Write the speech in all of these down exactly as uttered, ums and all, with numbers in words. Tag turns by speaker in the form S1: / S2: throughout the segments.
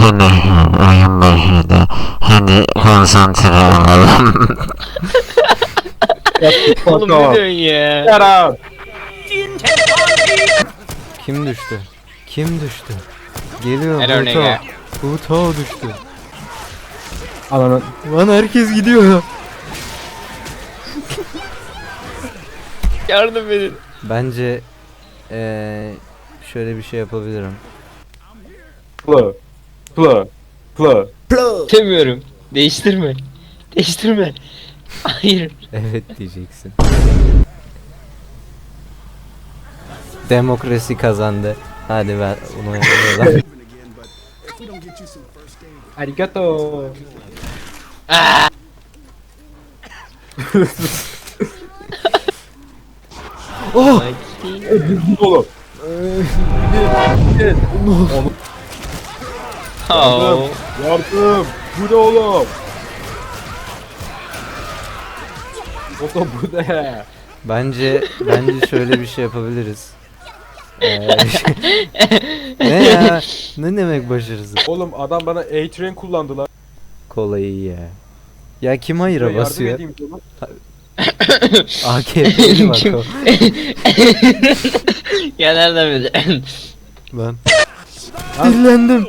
S1: Bu nehir oyun nehirde. Hadi konsantre olalım.
S2: Oğlum ne diyorsun ya?
S3: Yara.
S4: Kim düştü? Kim düştü? Geliyor
S2: Her örneğe.
S4: Buto. Buto düştü.
S3: Ananı.
S4: Lan herkes gidiyor.
S2: Yardım edin.
S4: Bence ee, şöyle bir şey yapabilirim.
S3: Plı. Plı. Plı.
S2: Demiyorum. Değiştirme. Değiştirme. Hayır.
S4: Evet diyeceksin. Demokrasi kazandı. Hadi ver bunu yapalım.
S3: Arigato.
S4: Oh!
S3: Oğlum.
S2: Oh.
S3: Yardım. Bu ne oğlum? Oğlum bu ne?
S4: Bence bence şöyle bir şey yapabiliriz. Ee, ne ya? Ne demek başarısız?
S3: Oğlum adam bana A-Train kullandı lan.
S4: Kolayı ya. Ya kim hayıra
S3: Yardım
S4: basıyor?
S3: edeyim sana.
S4: A K P'li bak o.
S2: Ya nereden bildin?
S4: Lan. Dinlendim.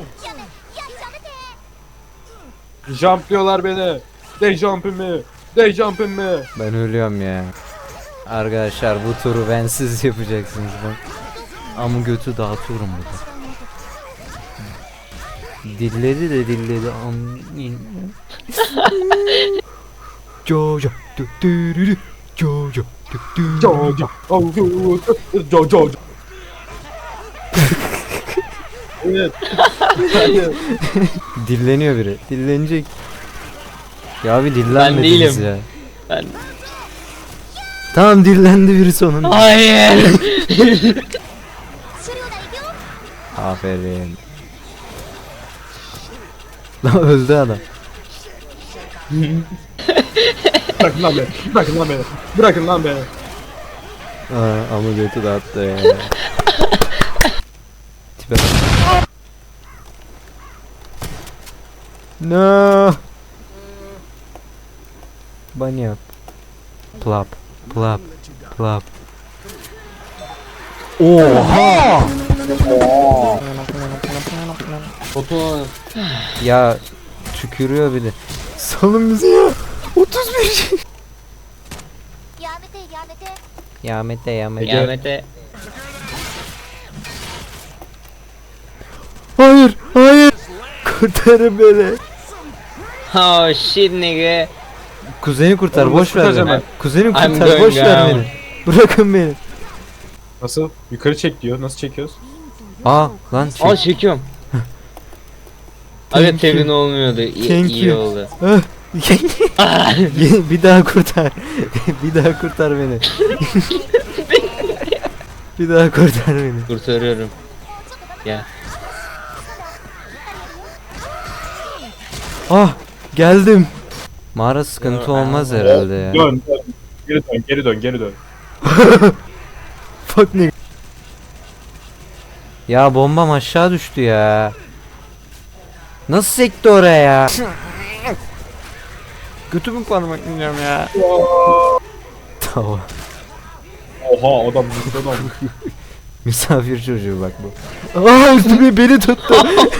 S3: Jumplıyorlar beni. They jumping me. They jumping me.
S4: Ben ölüyorum ya. Arkadaşlar bu turu bensiz yapacaksınız ben. Ama götü dağıtıyorum burada. Dilledi de dilledi. Amin. Jojo. Dürürü. Jojo. Dürürü.
S3: Jojo. Oh, Jojo. Jojo. Evet.
S4: Dilleniyor biri. Dillenecek. Ya bir
S2: Ben
S4: dillenmediniz
S2: değilim.
S4: ya.
S2: Ben...
S4: Tamam dillendi biri sonunda.
S2: Hayır.
S4: Aferin. Lan öldü adam.
S3: Bırakın lan beni. Bırakın lan beni. Bırakın lan beni.
S4: Aa, ama götü dağıttı ya. Tipe bak. No. Bunny up. Plop. Plop. Plop. Oha!
S2: Foto.
S4: Ya tükürüyor bir de. Salın bizi ya. otuz bir. Yamete yamete.
S2: Kıyamete.
S4: Hayır, hayır. Kurtarın beni.
S2: Oh shit nigga.
S4: Kuzeni kurtar,
S3: Oğlum,
S4: boş
S3: nasıl
S4: ver
S3: kurtaracağım
S4: beni.
S3: ben?
S4: Kuzeni
S2: I'm
S4: kurtar,
S2: going
S4: boş ver
S2: down.
S4: beni. Bırakın beni.
S3: Nasıl? Yukarı çek diyor. Nasıl çekiyoruz?
S4: Aa, lan çek.
S2: Aa çekiyorum.
S4: Thank
S2: Abi tebin olmuyordu. İyi,
S4: Thank
S2: iyi
S4: you.
S2: oldu.
S4: Ah. Bir daha kurtar. Bir daha kurtar beni. Bir daha kurtar beni.
S2: Kurtarıyorum. Ya.
S4: Ah, geldim. Mağara sıkıntı olmaz herhalde ya.
S3: Dön, dön. Geri dön, geri dön, geri dön.
S4: Fuck ne? Ya bombam aşağı düştü ya. Nasıl sekti oraya ya? Götümü parmaklayacağım ya. Tamam.
S3: Oha adam adam.
S4: Misafir çocuğu bak bu. Aa üstüme beni tuttu.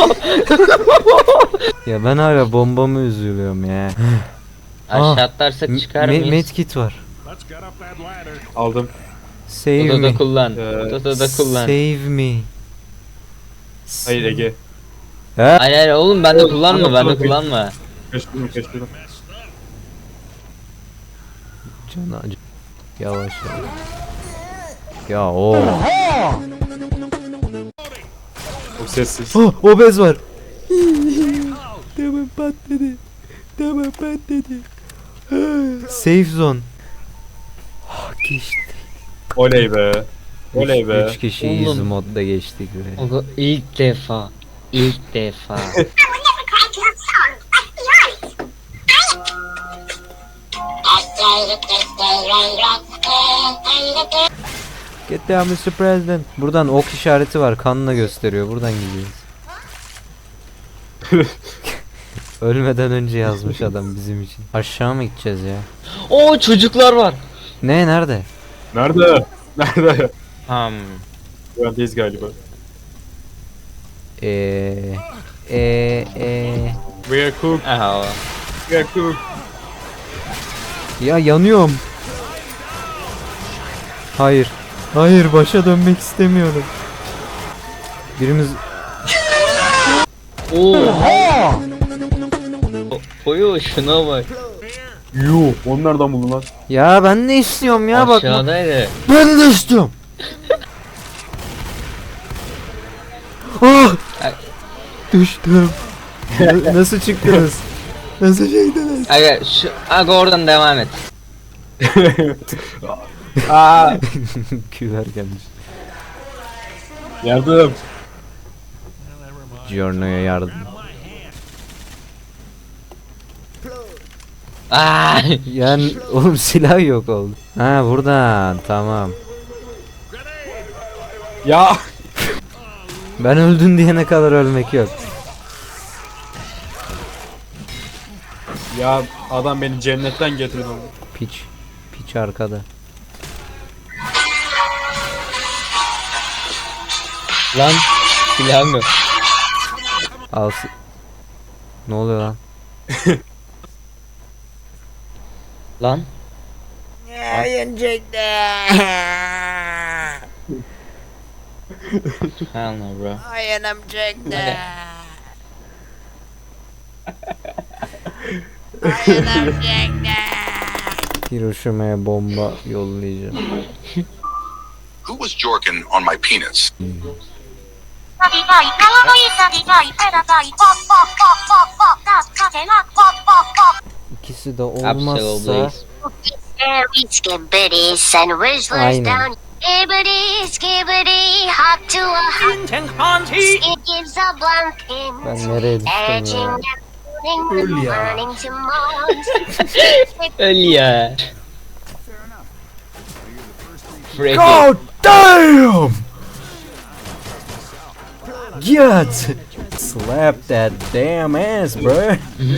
S4: Ya ben hala bombamı üzülüyorum ya.
S2: Aşağı
S4: Ah,
S2: atlarsak çıkar
S4: Me-
S2: mıyız?
S4: medkit var.
S3: Aldım.
S4: Save
S2: Odada
S4: me.
S2: kullan.
S3: Ee,
S2: Odada kullan.
S4: Save me.
S3: Hayır Ege.
S4: Ha?
S2: Hayır hayır oğlum bende kullanma
S3: Tamam,
S2: bende
S3: tamam.
S2: kullanma.
S3: Kaçtırdım, kaçtırdım.
S4: Can acı. Yavaş yavaş. Ya o.
S3: Çok sessiz.
S4: Oh, obez var. Tamam patladı. Tamam patladı. Safe zone. Ah, geçti.
S3: Oley be. Oley be.
S4: üç kişi easy
S2: Oğlum.
S4: modda geçtik be.
S2: O ilk defa. İlk defa.
S4: Get down mister President. Buradan ok işareti var. Kanla gösteriyor. Buradan gidiyoruz. Ölmeden önce yazmış adam bizim için. Aşağı mı gideceğiz ya?
S2: Oo çocuklar var.
S4: Ne nerede?
S3: Nerede? Nerede?
S2: Hmm.
S3: Güvendeyiz galiba.
S4: Eee eee eee
S3: We are cook.
S2: Aha.
S3: We are cook.
S4: Ya yanıyorum. Hayır. Hayır başa dönmek istemiyorum. Birimiz
S2: Oha. Koyu şuna bak.
S3: Yuh. Onu nereden buldun lan?
S4: ya ben ne istiyorum ya bak.
S2: Aşağıdaydı.
S4: Ben de istiyorum. Ah!
S2: Ay.
S4: Düştüm. Na- Nasıl çıktınız? Nasıl çıktınız?
S2: Aga şu aga oradan devam et.
S3: Aa.
S4: Küver gelmiş.
S3: Yardım.
S4: Giorno'ya yardım.
S2: Aa.
S4: Yani oğlum silah yok oldu. Ha buradan tamam.
S3: Ya.
S4: Ben öldün diyene kadar ölmek yok.
S3: Ya adam beni cennetten getirdi.
S4: Piç. Piç arkada.
S2: Lan silahım yok.
S4: Al. si- Ne oluyor lan?
S2: Lan. Hell no bro. Aga.
S4: Hiroşima'ya bomba yollayacağım.
S5: Who was jorking on my penis?
S6: サビがいかわいいサビがいペラがいポッポッポッポッポッ助けなポッポッポッ
S4: İkisi de
S2: Absolutely.
S4: olmazsa
S6: Scary skibbity and Rizzlers
S4: Aynen.
S6: down Skibbity skibbity hop to a hot It gives a blank
S4: ben
S6: in
S4: nereye düştüm
S6: Edging
S4: ya?
S6: and morning morning to morns
S2: Öl ya. Freak.
S4: God damn! Get! Slap that damn ass, bro.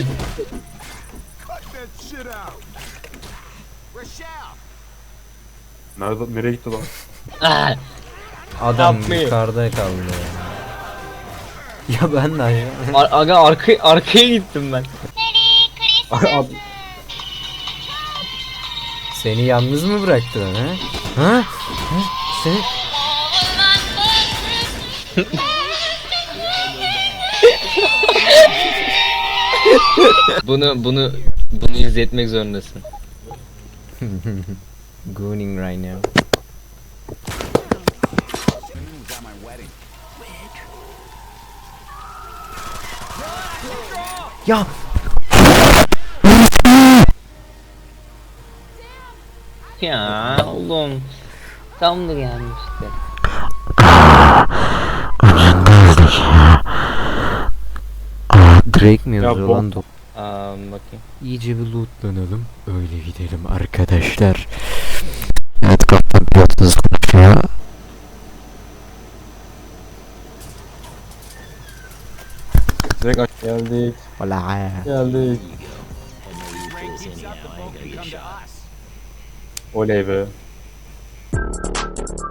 S3: Nerede? Nereye gitti lan?
S2: Ah.
S4: Adam
S2: Yapmayın.
S4: yukarıda kaldı ya. Ya ben de aşağı.
S2: Ar- aga arka arkaya gittim ben.
S3: Abi,
S4: Seni yalnız mı bıraktılar ha? Ha? Ha? Seni...
S2: Bunu bunu bunu izletmek zorundasın.
S4: Gooning right now. Ya
S2: Ya oğlum. Tam da gelmişti.
S1: Ucundaydık ya.
S4: Drake mi
S3: Ya
S4: yazıyor
S3: bom-
S4: lan? do-
S2: Aa bakayım.
S4: İyice bir lootlanalım. Öyle gidelim arkadaşlar.
S1: Evet kaptan pilotunuz konuşuyor.
S3: direkt aç. Geldik.
S4: Valla.
S3: Geldik. Oley be.